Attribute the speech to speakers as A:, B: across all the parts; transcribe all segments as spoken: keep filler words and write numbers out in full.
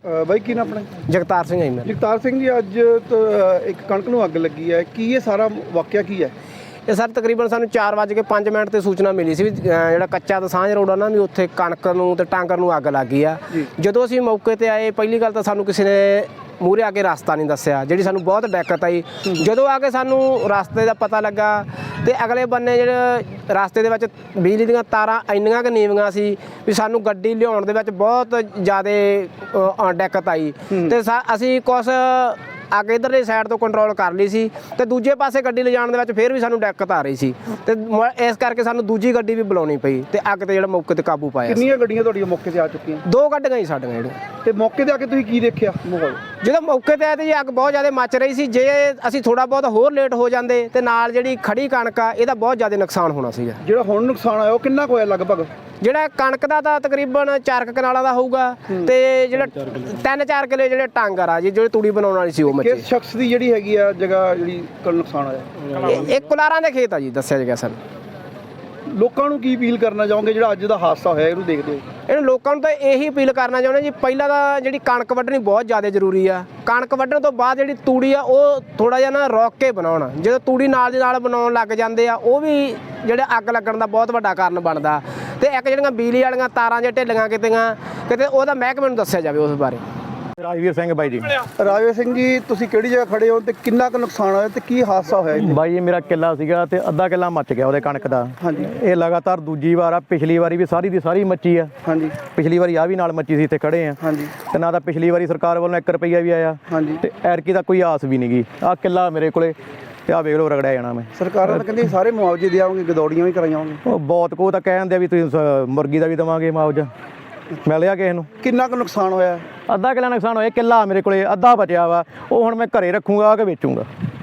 A: ਬਾਈ ਕੀ ਨਾ ਆਪਣਾ?
B: ਜਗਤਾਰ ਸਿੰਘ ਹੈ।
A: ਜਗਤਾਰ ਸਿੰਘ ਜੀ, ਅੱਜ ਇੱਕ ਕਣਕ ਨੂੰ ਅੱਗ ਲੱਗੀ ਹੈ, ਕੀ ਇਹ ਸਾਰਾ ਵਾਕਿਆ ਕੀ ਹੈ?
B: ਇਹ ਸਰ ਤਕਰੀਬਨ ਸਾਨੂੰ ਚਾਰ ਵੱਜ ਕੇ ਪੰਜ ਮਿੰਟ ਤੇ ਸੂਚਨਾ ਮਿਲੀ ਸੀ ਵੀ ਜਿਹੜਾ ਕੱਚਾ ਦਸਾਂਝ ਰੋਡ ਆ ਨਾ ਵੀ ਉੱਥੇ ਕਣਕ ਨੂੰ ਤੇ ਟਾਂਗਰ ਨੂੰ ਅੱਗ ਲੱਗ ਗਈ ਆ। ਜਦੋਂ ਅਸੀਂ ਮੌਕੇ ਤੇ ਆਏ, ਪਹਿਲੀ ਗੱਲ ਤਾਂ ਸਾਨੂੰ ਕਿਸੇ ਨੇ ਮੂਹਰੇ ਆ ਕੇ ਰਸਤਾ ਨਹੀਂ ਦੱਸਿਆ, ਜਿਹੜੀ ਸਾਨੂੰ ਬਹੁਤ ਦਿੱਕਤ ਆਈ। ਜਦੋਂ ਆ ਕੇ ਸਾਨੂੰ ਰਸਤੇ ਦਾ ਪਤਾ ਲੱਗਾ ਤੇ ਅਗਲੇ ਬੰਨੇ ਜਿਹੜੇ ਰਸਤੇ ਦੇ ਵਿੱਚ ਬਿਜਲੀ ਦੀਆਂ ਤਾਰਾਂ ਇੰਨੀਆਂ ਕੁ ਨੀਵੀਆਂ ਸੀ ਵੀ ਸਾਨੂੰ ਗੱਡੀ ਲਿਆਉਣ ਦੇ ਵਿੱਚ ਬਹੁਤ ਜ਼ਿਆਦਾ ਦਿੱਕਤ ਆਈ। ਤੇ ਅਸੀਂ ਕੁਛ ਅੱਗੇ ਇੱਧਰਲੀ ਸਾਈਡ ਤੋਂ ਕੰਟਰੋਲ ਕਰ ਲਈ ਸੀ ਤੇ ਦੂਜੇ ਪਾਸੇ ਗੱਡੀ ਲਿਜਾਣ ਦੇ ਵਿੱਚ ਫਿਰ ਵੀ ਸਾਨੂੰ ਦਿੱਕਤ ਆ ਰਹੀ ਸੀ ਤੇ ਇਸ ਕਰਕੇ ਸਾਨੂੰ ਦੂਜੀ ਗੱਡੀ ਵੀ ਬੁਲਾਉਣੀ ਪਈ ਤੇ ਅੱਗ ਤੇ ਜਿਹੜਾ ਮੌਕੇ ਤੇ ਕਾਬੂ ਪਾਇਆ।
A: ਕਿੰਨੀਆਂ ਗੱਡੀਆਂ ਤੁਹਾਡੀਆਂ ਮੌਕੇ ਤੇ ਆ ਚੁੱਕੀਆਂ?
B: ਦੋ ਗੱਡੀਆਂ ਹੀ ਸਾਡੀਆਂ ਜਿਹੜੀਆਂ।
A: ਤੇ ਮੌਕੇ ਤੇ ਆ ਕੇ ਤੁਸੀਂ ਕੀ ਦੇਖਿਆ ਮਾਹੌਲ?
B: ਜਦੋਂ ਮੌਕੇ ਤੇ ਆਏ ਤੇ ਜੀ ਅੱਗ ਬਹੁਤ ਜ਼ਿਆਦਾ ਮੱਚ ਰਹੀ ਸੀ। ਜੇ ਅਸੀਂ ਥੋੜਾ ਬਹੁਤ ਹੋਰ ਲੇਟ ਹੋ ਜਾਂਦੇ ਤੇ ਨਾਲ ਜਿਹੜੀ ਖੜੀ ਕਣਕ ਆ ਇਹਦਾ ਬਹੁਤ ਜ਼ਿਆਦਾ ਨੁਕਸਾਨ ਹੋਣਾ ਸੀਗਾ।
A: ਜਿਹੜਾ ਹੁਣ ਨੁਕਸਾਨ ਆਇਆ ਉਹ ਕਿੰਨਾ ਕੁ ਹੋਇਆ ਲਗਭਗ?
B: ਜਿਹੜਾ ਕਣਕ ਦਾ ਤਾਂ ਤਕਰੀਬਨ ਚਾਰ ਕਨਾਲਾਂ ਦਾ ਹੋਊਗਾ ਤੇ ਜਿਹੜਾ ਤਿੰਨ ਚਾਰ ਕਿਲੇ ਜਿਹੜੇ ਟਾਂਗਰ ਆ ਜੀ ਜਿਹੜੀ ਤੂੜੀ ਬਣਾਉਣ ਵਾਲੀ ਸੀ ਉਹ ਮੱਚੀ।
A: ਕਿਸ ਸ਼ਖਸ ਦੀ ਜਿਹੜੀ ਹੈਗੀ ਆ ਜਗ੍ਹਾ ਜਿਹੜੀ ਨੁਕਸਾਨ ਆਇਆ?
B: ਇਹ ਕੁਲਾਰਾਂ ਦੇ ਖੇਤ ਆ ਜੀ, ਦੱਸਿਆ ਗਿਆ ਸਾਨੂੰ।
A: ਲੋਕਾਂ ਨੂੰ ਕੀ ਅਪੀਲ ਕਰਨਾ ਚਾਹੋਗੇ ਜਿਹੜਾ ਅੱਜ ਦਾ ਹਾਦਸਾ ਹੋਇਆ ਇਹਨੂੰ ਦੇਖਦੇ ਹੋ?
B: ਇਹਨੂੰ ਲੋਕਾਂ ਨੂੰ ਤਾਂ ਇਹੀ ਅਪੀਲ ਕਰਨਾ ਚਾਹੁੰਦੇ ਜੀ, ਪਹਿਲਾਂ ਤਾਂ ਜਿਹੜੀ ਕਣਕ ਵੱਢਣੀ ਬਹੁਤ ਜ਼ਿਆਦਾ ਜ਼ਰੂਰੀ ਆ। ਕਣਕ ਵੱਢਣ ਤੋਂ ਬਾਅਦ ਜਿਹੜੀ ਤੂੜੀ ਆ ਉਹ ਥੋੜਾ ਜਿਹਾ ਨਾ ਰੋਕ ਕੇ ਬਣਾਉਣ। ਜਦੋਂ ਤੂੜੀ ਨਾਲ ਦੀ ਨਾਲ ਬਣਾਉਣ ਲੱਗ ਜਾਂਦੇ ਆ ਉਹ ਵੀ ਜਿਹੜੇ ਅੱਗ ਲੱਗਣ ਦਾ ਬਹੁਤ ਵੱਡਾ ਕਾਰਨ ਬਣਦਾ। ਤੇ ਇੱਕ ਜਿਹੜੀਆਂ ਬਿਜਲੀ ਵਾਲੀਆਂ ਤਾਰਾਂ ਜੇ ਢਿੱਲੀਆਂ ਕਿਤੇਆਂ ਕਿਤੇ ਉਹਦਾ ਮਹਿਕਮੇ ਨੂੰ ਦੱਸਿਆ ਜਾਵੇ ਉਸ ਬਾਰੇ।
C: ਰਾਜਵੀਰ ਸਿੰਘ ਬਾਈ ਜੀ।
A: ਰਾਜਵੀਰ ਸਿੰਘ ਜੀ, ਤੁਸੀਂ ਕਿਹੜੀ ਜਗ੍ਹਾ ਖੜੇ ਹੋ ਤੇ ਕਿੰਨਾ ਕੁ ਨੁਕਸਾਨ ਹੋਇਆ ਤੇ ਕੀ ਹਾਦਸਾ ਹੋਇਆ ਜੀ?
C: ਬਾਈ ਇਹ ਮੇਰਾ ਕਿੱਲਾ ਸੀਗਾ ਤੇ ਅੱਧਾ ਕਿੱਲਾ ਮੱਚ ਗਿਆ ਉਹਦੇ ਕਣਕ ਦਾ।
A: ਹਾਂਜੀ।
C: ਇਹ ਲਗਾਤਾਰ ਦੂਜੀ ਵਾਰ ਆ, ਪਿਛਲੀ ਵਾਰੀ ਵੀ ਸਾਰੀ ਦੀ ਸਾਰੀ ਮੱਚੀ ਆ।
A: ਹਾਂਜੀ।
C: ਪਿਛਲੀ ਵਾਰੀ ਆ ਵੀ ਨਾਲ ਮੱਚੀ ਸੀ, ਇੱਥੇ ਖੜੇ ਆ।
A: ਹਾਂਜੀ।
C: ਤੇ ਨਾ ਤਾਂ ਪਿਛਲੀ ਵਾਰੀ ਸਰਕਾਰ ਵੱਲੋਂ ਇੱਕ ਰੁਪਈਆ ਵੀ ਆਇਆ।
A: ਹਾਂਜੀ।
C: ਤੇ ਐਰਕੀ ਦਾ ਕੋਈ ਆਸ ਵੀ ਨਹੀਂ ਗਈ। ਆ ਕਿੱਲਾ ਮੇਰੇ ਕੋਲੇ ਤੇ ਆ ਵੇਖ ਲਓ ਰਗੜਿਆ ਜਾਣਾ ਮੈਂ।
A: ਸਰਕਾਰਾਂ ਤਾਂ ਕਹਿੰਦੀ ਸਾਰੇ ਮੁਆਵਜ਼ੇ ਦਿਆਂਗੇ, ਗਦੌੜੀਆਂ ਵੀ ਕਰਾਈਆਂਗੇ।
C: ਉਹ ਬਹੁਤ ਕੋ ਤਾਂ ਕਹਿ ਦਿੰਦੇ ਆ ਵੀ ਤੁਸੀਂ ਮੁਰਗੀ ਦਾ ਵੀ ਦੇਵਾਂਗੇ ਮੁਆਵਜ਼ਾ। ਮਿਲਿਆ ਕਿਸੇ ਨੂੰ?
A: ਕਿੰਨਾ ਕੁ ਨੁਕਸਾਨ ਹੋਇਆ?
C: ਅੱਧਾ ਕਿੱਲਾ ਨੁਕਸਾਨ ਹੋਇਆ। ਕਿੱਲਾ ਮੇਰੇ ਕੋਲੇ ਅੱਧਾ ਬਚਿਆ ਵਾ, ਉਹ ਹੁਣ ਮੈਂ ਘਰੇ ਰੱਖੂੰਗਾ ਕਿ ਵੇਚੂੰਗਾ।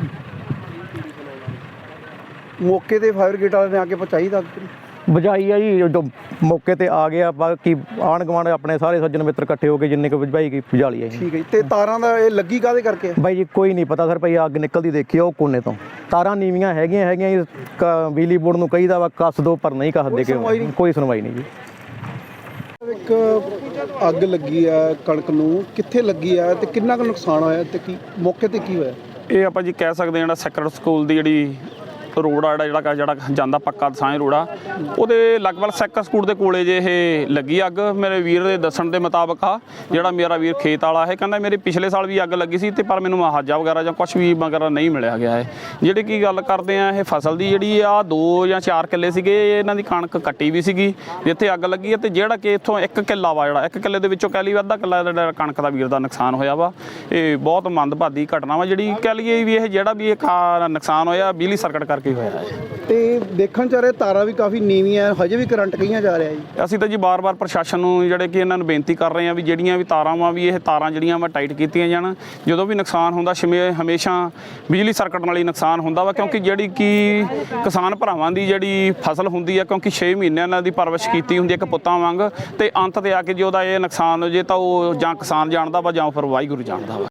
A: ਮੌਕੇ ਤੇ ਫਾਇਰ ਬ੍ਰਿਗੇਡ ਵਾਲਿਆਂ ਨੇ ਆ ਕੇ ਪਹੁੰਚਾਈ ਤਾਂ
C: ਬੁਝਾਈ ਆ ਜੀ, ਜਦੋਂ ਮੌਕੇ ਤੇ ਆ ਗਿਆ। ਬਾਕੀ ਆਂਢ ਗੁਆਂਢ ਆਪਣੇ ਸਾਰੇ ਸੱਜਣ ਮਿੱਤਰ ਇਕੱਠੇ ਹੋ ਕੇ ਜਿੰਨੇ ਕੁ ਬੁਝਾਈ ਗਈ ਬੁਝਾ ਲਈ ਆ ਜੀ।
A: ਠੀਕ ਹੈ ਜੀ। ਤੇ ਤਾਰਾਂ ਦਾ ਇਹ ਲੱਗੀ ਕਾਹਦੇ ਕਰਕੇ?
C: ਬਾਈ ਜੀ ਕੋਈ ਨਹੀਂ ਪਤਾ ਸਰ, ਭਾਈ ਅੱਗ ਨਿਕਲਦੀ ਦੇਖੀ ਉਹ ਕੋਨੇ ਤੋਂ। ਤਾਰਾਂ ਨੀਵੀਆਂ ਹੈਗੀਆਂ ਹੈਗੀਆਂ ਜੀ। ਬਿਜਲੀ ਬੋਰਡ ਨੂੰ ਕਹੀਦਾ ਵਾ ਕੱਸ ਦੋ, ਪਰ ਨਹੀਂ ਕੱਸਦੇ ਕਿ ਕੋਈ ਸੁਣਵਾਈ ਨਹੀਂ ਜੀ।
A: ਇੱਕ ਅੱਗ ਲੱਗੀ ਆ ਕਣਕ ਨੂੰ, ਕਿੱਥੇ ਲੱਗੀ ਆ ਤੇ ਕਿੰਨਾ ਕੁ ਨੁਕਸਾਨ ਹੋਇਆ ਤੇ ਕੀ ਮੌਕੇ ਤੇ ਕੀ ਹੋਇਆ?
D: ਇਹ ਆਪਾਂ ਜੀ ਕਹਿ ਸਕਦੇ ਹਾਂ ਜਿਹੜਾ ਸੈਕਰਡ ਸਕੂਲ ਦੀ ਜਿਹੜੀ ਰੋਡ ਆ ਜਿਹੜਾ ਜਿਹੜਾ ਜਾਂਦਾ ਪੱਕਾ ਦਸਾਂਝ ਰੋਡ ਆ, ਉਹਦੇ ਲਗਭਗ ਸੈਕਰ ਸਕੂਲ ਦੇ ਕੋਲੇ ਜੇ ਇਹ ਲੱਗੀ ਅੱਗ। ਮੇਰੇ ਵੀਰ ਦੇ ਦੱਸਣ ਦੇ ਮੁਤਾਬਕ ਆ, ਜਿਹੜਾ ਮੇਰਾ ਵੀਰ ਖੇਤ ਵਾਲਾ ਹੈ, ਕਹਿੰਦਾ ਮੇਰੇ ਪਿਛਲੇ ਸਾਲ ਵੀ ਅੱਗ ਲੱਗੀ ਸੀ ਤੇ ਪਰ ਮੈਨੂੰ ਮੁਆਵਜ਼ਾ ਵਗੈਰਾ ਜਾਂ ਕੁਛ ਵੀ ਵਗੈਰਾ ਨਹੀਂ ਮਿਲਿਆ ਗਿਆ ਹੈ। ਜਿਹੜੀ ਕੀ ਗੱਲ ਕਰਦੇ ਆ ਇਹ ਫਸਲ ਦੀ, ਜਿਹੜੀ ਆ ਦੋ ਜਾਂ ਚਾਰ ਕਿੱਲੇ ਸੀਗੇ ਇਹਨਾਂ ਦੀ ਕਣਕ ਕੱਟੀ ਵੀ ਸੀਗੀ ਜਿੱਥੇ ਅੱਗ ਲੱਗੀ ਹੈ। ਤੇ ਜਿਹੜਾ ਕਿ ਇੱਥੋਂ ਇੱਕ ਕਿੱਲਾ ਵਾ, ਜਿਹੜਾ ਇੱਕ ਕਿੱਲੇ ਦੇ ਵਿੱਚੋਂ ਕਹਿ ਲਈ ਅੱਧਾ ਕਿੱਲਾ ਜਿਹੜਾ ਕਣਕ ਦਾ ਵੀਰ ਦਾ ਨੁਕਸਾਨ ਹੋਇਆ ਵਾ। ਇਹ ਬਹੁਤ ਮੰਦਭਾਗੀ ਘਟਨਾ ਵਾ, ਜਿਹੜੀ ਕਹਿ ਲਈਏ ਵੀ ਇਹ ਜਿਹੜਾ ਵੀ ਇਹ ਨੁਕਸਾਨ ਹੋਇਆ ਬਿਜਲੀ ਸਰਕਟ ਕਰਕੇ ਹੋਇਆ ਹੈ।
A: ਤੇ ਦੇਖਣ ਚ ਆ ਰਿਹਾ ਤਾਰਾਂ ਵੀ ਕਾਫੀ ਨੀਵੀਆਂ, ਹਜੇ ਵੀ ਕਰੰਟ ਕਈਆਂ ਜਾ ਰਿਹਾ ਜੀ।
D: ਅਸੀਂ ਤਾਂ ਜੀ ਬਾਰ-ਬਾਰ ਪ੍ਰਸ਼ਾਸਨ ਨੂੰ ਜਿਹੜੇ ਕਿ ਇਹਨਾਂ ਨੂੰ ਬੇਨਤੀ ਕਰ ਰਹੇ ਹਾਂ ਵੀ ਜਿਹੜੀਆਂ ਵੀ ਤਾਰਾਂ ਵਾ ਵੀ ਇਹ ਤਾਰਾਂ ਜਿਹੜੀਆਂ ਵਾ ਟਾਈਟ ਕੀਤੀਆਂ ਜਾਣ। ਜਦੋਂ ਵੀ ਨੁਕਸਾਨ ਹੁੰਦਾ ਹਮੇਸ਼ਾ ਬਿਜਲੀ ਸਰਕਟ ਨਾਲ ਹੀ ਨੁਕਸਾਨ ਹੁੰਦਾ ਵਾ, ਕਿਉਂਕਿ ਜਿਹੜੀ ਕਿ ਕਿਸਾਨ ਭਰਾਵਾਂ ਦੀ ਜਿਹੜੀ ਫਸਲ ਹੁੰਦੀ ਆ, ਕਿਉਂਕਿ ਛੇ ਮਹੀਨਿਆਂ ਇਹਨਾਂ ਦੀ ਪਰਵਰਿਸ਼ ਕੀਤੀ ਹੁੰਦੀ ਹੈ ਇੱਕ ਪੁੱਤਾਂ ਵਾਂਗ, ਤੇ ਅੰਤ ਤੇ ਆ ਕੇ ਜੇ ਉਹਦਾ ਇਹ ਨੁਕਸਾਨ ਹੋ ਜੇ ਤਾਂ ਉਹ ਜਾਂ ਕਿਸਾਨ ਜਾਣਦਾ ਵਾ ਜਾਂ ਫਿਰ ਵਾਹਿਗੁਰੂ ਜਾਣਦਾ ਵਾ।